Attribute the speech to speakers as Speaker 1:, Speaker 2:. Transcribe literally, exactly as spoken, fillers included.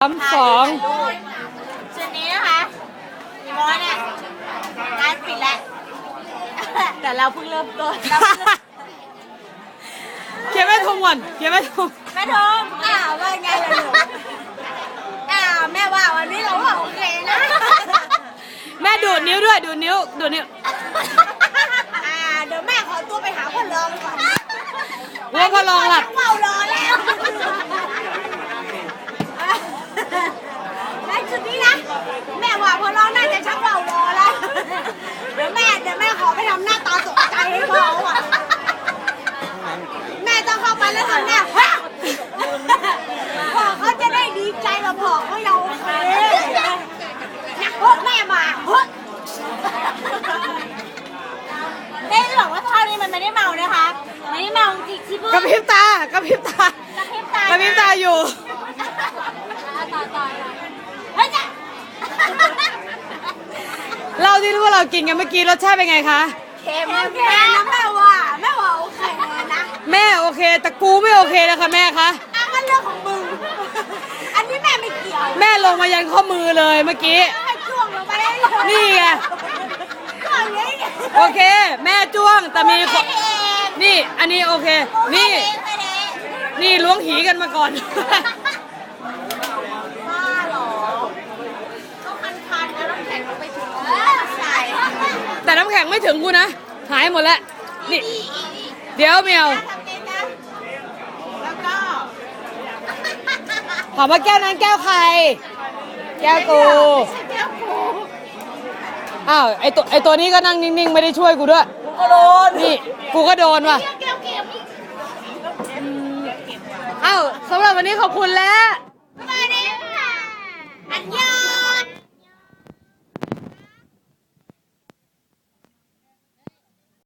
Speaker 1: สามสอง
Speaker 2: ชุดนี้นะคะอีโมเนี่ยร้านปิดแล้วแต่เราเพิ่งเริ่มต้น
Speaker 1: เขียนไม่ถูกก่อนเขียนไม่ถูก
Speaker 2: แม่ทงอ้าวว่าไงล่ะลูกอ้าวแม่ว่าวันนี้เราว่าโอเคนะ
Speaker 1: แม่ดูดนิ้วด้วยดูดนิ้วดูดนิ้ว
Speaker 2: อ่าเดี๋ยวแม่ขอตัวไปหาพ่อรองก่อน
Speaker 1: ว่าพ่อรองหลับ
Speaker 2: เมารอแล้วแม่ชุดนี้นะแม่ว่าพ่อรองน่าจะชักเมารอแล้วเดี๋ยวแม่เดี๋ยวแม่ขอไปทำหน้าตาตกใจให้พ่ออ่ะแม่ต้องเข้าไปแล้วทำหน้าพ่อเขาจะได้ดีใจกับพ่อเขาเราโอเคนะพวกแม่มาเฮ้ยได้บอกว่าท่านี้มันไม่ได้เมานะคะไม่ได้เมาจริงที่พูด
Speaker 1: กระพริบตากระพริบตากระพริบตากระพริบตาอยู่
Speaker 2: ต่อต่อเฮ้ยจ้ะ
Speaker 1: เราที่รู้ว่าเรากินกันเมื่อกี้รสชาติเป็นไงคะ
Speaker 2: เค็มแม่นะแม่ว่าแม่ว่าโอเคนะ
Speaker 1: แม่โอเคแต่กูไม่โอเคนะคะแม่คะ
Speaker 2: อ่ะก็เรื่องของมึงอันนี้แม่ไม่เกี่ยว
Speaker 1: แม่ลงมายันข้อมือเลยเมื่อกี้
Speaker 2: จ้วงลงไปได้เลย
Speaker 1: นี่ไงโอเคแม่จ้วงแต่มีนี่อันนี้โอเคนี่นี่ล้วงหีกันมาก่อน
Speaker 2: บ้าหรอก็คันๆแล้วน้ำแข็งลงไปถึงใส่
Speaker 1: แต่น้ำแข็งไม่ถึงกูนะหายหมดแล้วนี่เดี๋ยวเมียว
Speaker 2: แล้วก็
Speaker 1: ถามว่าแก้วนั้นแก้วใครแก้วกู
Speaker 2: แก้วกู
Speaker 1: อ้าวไอตัวไอตัวนี้ก็นั่งนิ่งๆไม่ได้ช่วยกูด้วย
Speaker 2: กูก็โดน
Speaker 1: นี่กูก็โดนว่ะอ้าวสำหรับวันนี้ขอบคุณแล้ว